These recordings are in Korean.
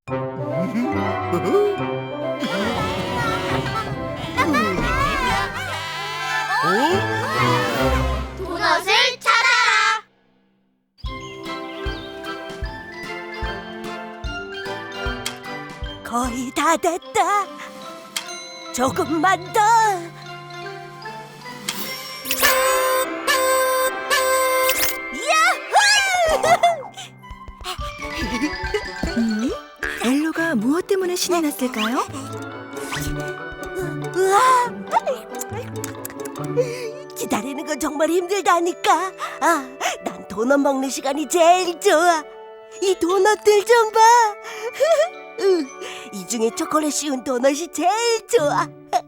도넛을 찾아라. 거의 다 됐다. 조금만 더. 엘로가 무엇 때문에 신이 났을까요? 우와! 기다리는 건 정말 힘들다니까. 난 도넛 먹는 시간이 제일 좋아. 이 도넛들 좀 봐. 이 중에 초콜릿 씌운 도넛이 제일 좋아.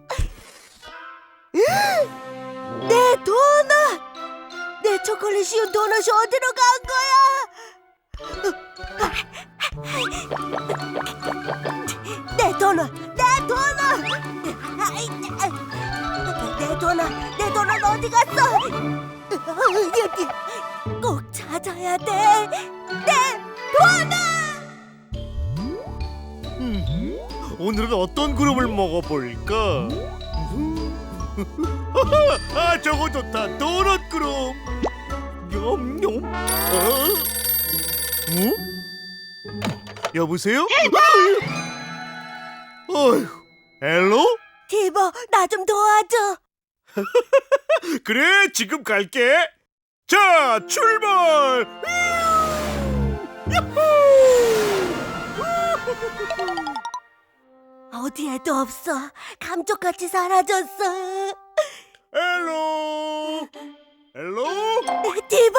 내 도넛! 내 초콜릿 씌운 도넛이 어디로 간 거야? 내 도넛! 내 도넛! 내 도넛 어디 갔어? 여기 꼭 찾아야 돼. 내 도넛! 오늘은 어떤 그룹을 먹어볼까? 저거 좋다. 도넛 그룹. 냠냠. 여보세요? 어휴, 엘로? 티보, 나 좀 도와줘. 그래, 지금 갈게. 자, 출발! 어디에도 없어. 감쪽같이 사라졌어. 엘로! 엘로? 티보?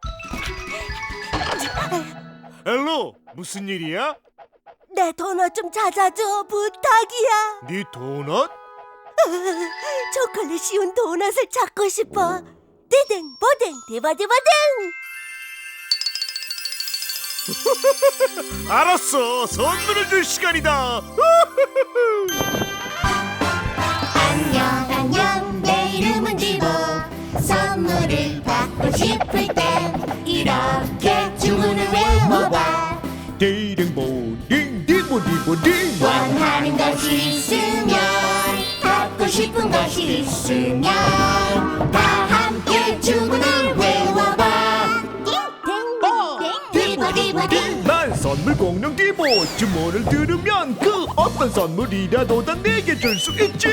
엘로, 무슨 일이야? 내 도넛 좀 찾아줘. 부탁이야. 네 도넛? 초콜릿 씌운 도넛을 찾고 싶어. 디딩 보딩 디바디바딩. 알았어, 선물을 줄 시간이다. 안녕 안녕 내 이름은 디보. 선물을 받고 싶을 땐 이렇게 주문을 외워봐. 디딩보딩 디보디보딩. 원하는 것이 있으면 받고 싶은 것이 있으면 다 함께 주문을 외워봐. 띵띵띵 디보디보딩. 난 선물 공룡 디보. 주문을 들으면 그 어떤 선물이라도 다 내게 줄 수 있지.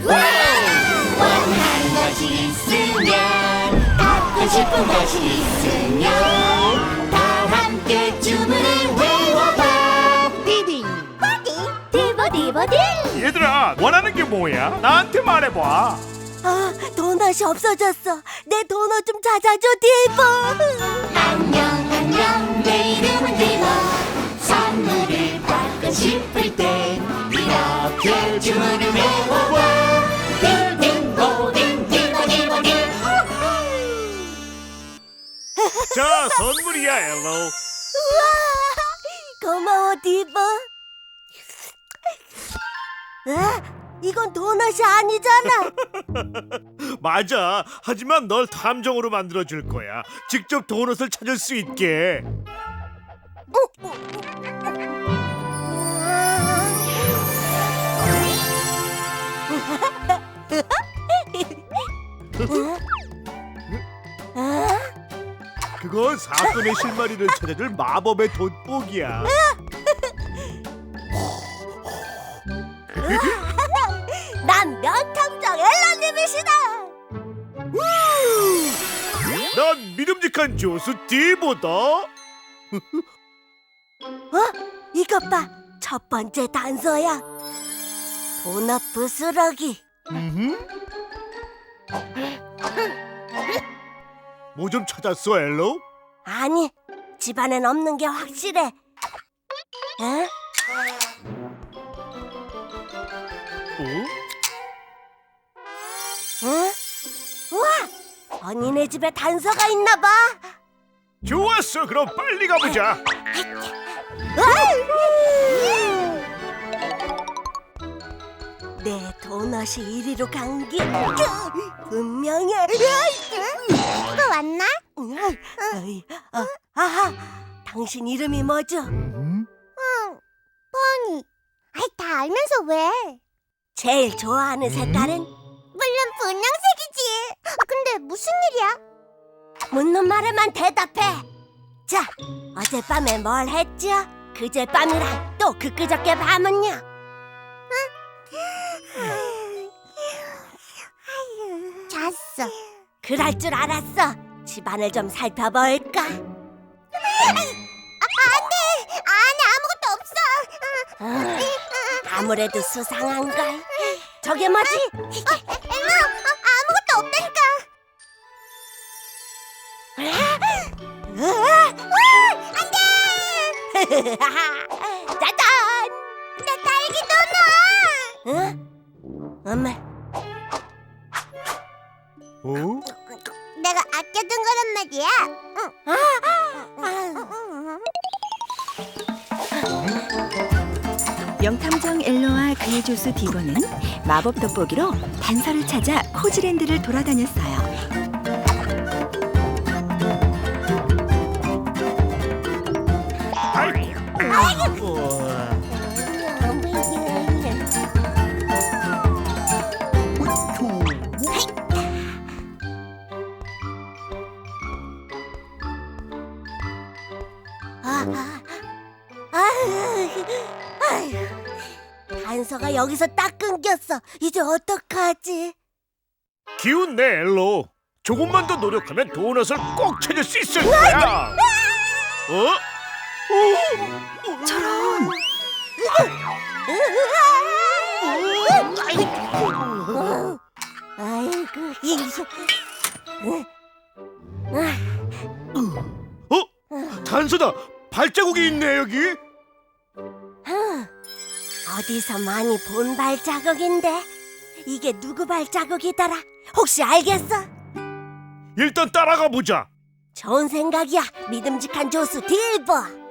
원하는 것이 있으면 받고 싶은 것이 있으면 다 함께 주문을 외워봐. 디딩 디보디보딩. 얘들아, 원하는 게 뭐야? 나한테 말해봐. 도넛이 없어졌어. 내 도넛 좀 찾아줘, 디보. 안녕 안녕 내 이름은 디보. 선물을 받고 싶을 때 이렇게 주문을 외워봐. 디딩 보딩 디보디보딩. 자, 선물이야, 엘로. 우와, 고마워, 디보. 이건 도넛이 아니잖아. 맞아. 하지만 널 탐정으로 만들어줄 거야. 직접 도넛을 찾을 수 있게. 그건 사건의 실마리를 찾아줄 마법의 돋보기야. 난 명탐정 엘라님이시다. 난 믿음직한 조수 디보다. 이것 봐. 첫 번째 단서야. 도넛 부스러기. 뭐 좀 찾았어, 엘로? 아니, 집안엔 없는 게 확실해. 에? 응? 우와! 언니네 집에 단서가 있나 봐. 좋았어. 그럼 빨리 가보자. 내 도넛이 이리로 간 게 분명해. 이거 왔나? 아하, 당신 이름이 뭐죠? 알면서 왜? 제일 좋아하는 색깔은? 물론 분홍색이지. 근데 무슨 일이야? 묻는 말에만 대답해. 자, 어젯밤에 뭘 했죠? 그젯밤이랑 또 그저께 밤은요? 잤어. 그럴 줄 알았어. 집안을 좀 살펴볼까? 안에 아무것도 없어. 아무래도 수상한걸. 저게 뭐지? 아무것도 없다니까. 짜잔! 내 딸기 도넛. 응? 엄마, 어? 내가 아껴둔 거란 말이야. 명탐정 엘로와 그의 조수 디보는 마법 돋보기로 단서를 찾아 코지랜드를 돌아다녔어요. 단서가 여기서 딱 끊겼어. 이제 어떡하지? 기운 내 엘로. 조금만 더 노력하면 도넛을 꼭 찾을 수 있을 거야. 어? 저런, 아이고, 이거. 단서다. 발자국이 있네 여기. 어디서 많이 본 발자국인데 이게 누구 발자국이더라? 혹시 알겠어? 일단 따라가 보자. 좋은 생각이야. 믿음직한 조수 딜보.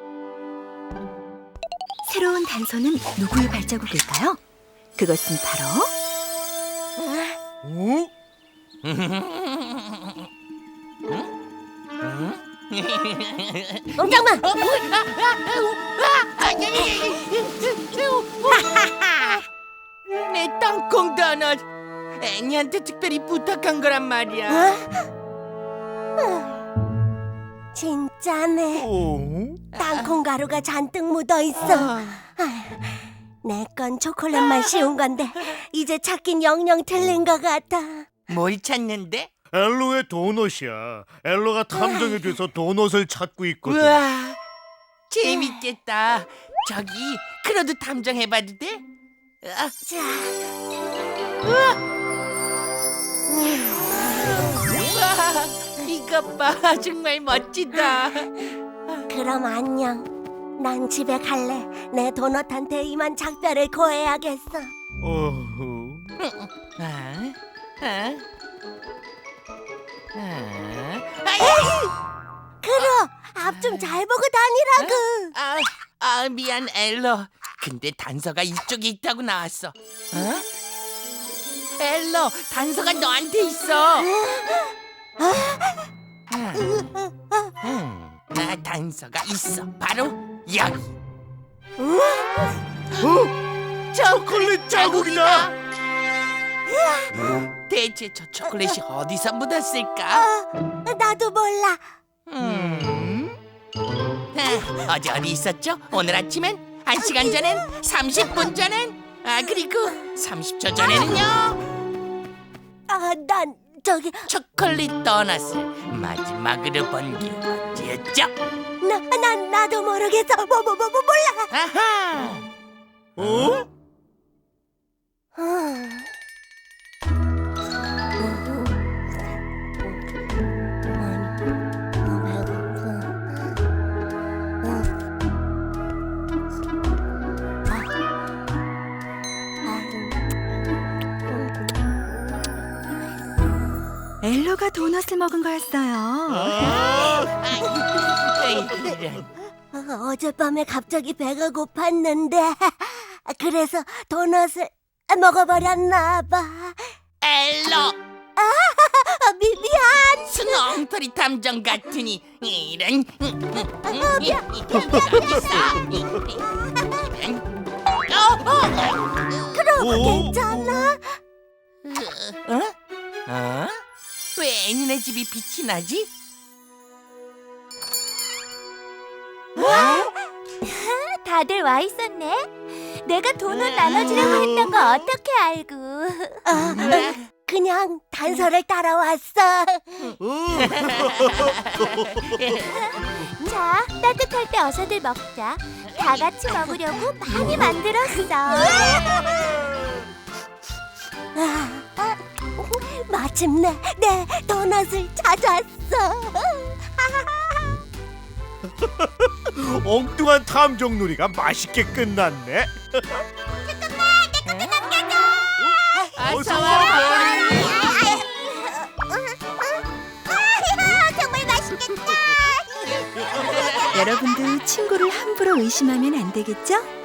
새로운 단서는 누구의 발자국일까요? 그것은 바로 어? 꼼짝마. 내 땅콩 도넛 애니한테 특별히 부탁한 거란 말이야. 진짜네. 땅콩 가루가 잔뜩 묻어 있어. 내 건 초콜릿만 씌운 건데 이제 찾긴 영영 틀린 것 같아. 뭘 찾는데? 엘로의 도넛이야. 엘로가 탐정이 돼서 도넛을 찾고 있거든. 우와 재밌겠다. 저기 크로도 탐정해봐도 돼? 자, 우와 이것 봐 정말 멋지다. 그럼 안녕. 난 집에 갈래. 내 도넛한테 이만 작별을 고해야겠어. 어후. 그럼 앞 좀 잘 보고 다니라고. 미안 엘로. 근데 단서가 이쪽에 있다고 나왔어. 엘로 단서가 너한테 있어. 단서가 있어. 바로 여기. 초콜릿 자국이다. 대체 저 초콜릿이 어디서 묻었을까? 나도 몰라. 어제 어디 있었죠? 오늘 아침엔 1시간 전엔 30분 전엔 그리고 30초 전에는요 난 저기 초콜릿 도넛을 마지막으로 본 게 언제였죠? 나도 모르겠어. 몰라. 아하 어? 엘로가 도넛을 먹은 거였어요. 이런. 어젯밤에 갑자기 배가 고팠는데 그래서 도넛을 먹어버렸나 봐. 엘로 미안. 스농터리 탐정 같으니 이런 미안. 여기 있어. 괜찮아? 어? 왜 애니네 집이 빛이 나지? 다들 와 있었네. 내가 돈을 나눠주려고 했던 거 어떻게 알고? 그냥 단서를 따라왔어. 자, 따뜻할 때 어서들 먹자. 다 같이 먹으려고 많이 만들었어. 마침내 내 도넛을 찾았어. 엉뚱한 탐정놀이가 맛있게 끝났네. 어서 와. 정말 맛있겠다. 여러분도 친구를 함부로 의심하면 안 되겠죠?